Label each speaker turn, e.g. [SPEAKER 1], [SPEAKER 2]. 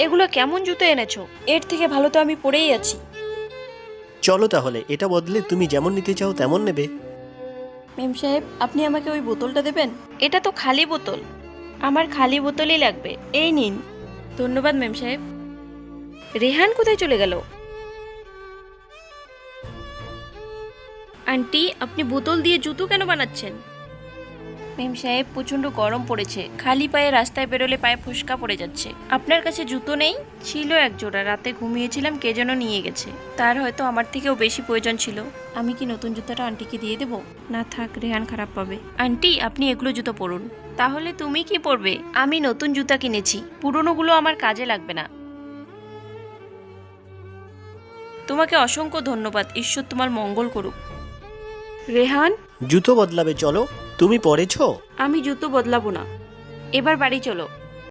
[SPEAKER 1] এগুলো কেমন জুতো এনেছো? এর থেকে ভালো তো আমি পরেই আছি।
[SPEAKER 2] চলো তাহলে, এটা বদলে তুমি যেমন নিতে চাও তেমন নেবে।
[SPEAKER 1] মেম সাহেব, আপনি আমাকে ওই বোতলটা দেবেন? এটা তো খালি বোতল। আমার খালি বোতলই লাগবে, এই নিন। ধন্যবাদ মেম সাহেব। রেহান কোথায় চলে গেল? আন্টি, আপনি বোতল দিয়ে জুতো কেন বানাচ্ছেন? মেম সাহেব, প্রচন্ড গরম পড়েছে, খালি পায়ে রাস্তায় বেরোলে পায়ে ফোসকা পড়ে যাচ্ছে। আপনার কাছে জুতো নেই? ছিল এক জোড়া, রাতে ঘুমিয়েছিলাম, কে যেন নিয়ে গেছে। তার হয়তো আমার থেকেও বেশি প্রয়োজন ছিল। আমি কি নতুন জুতোটা আন্টিকে দিয়ে দেবো? না থাক, রেহান খারাপ পাবে। আন্টি, আপনি এগুলো জুতো পরুন। তাহলে তুমি কি পরবে? আমি নতুন জুতা কিনেছি, পুরনোগুলো আমার কাজে লাগবে না। তোমাকে অসংখ্য ধন্যবাদ, ঈশ্বর তোমার মঙ্গল করুক। রেহান,
[SPEAKER 2] জুতো বদলাবে, চলো। তুমি পরেছো?
[SPEAKER 1] আমি জুতো বদলাবো না, এবার বাড়ি চলো।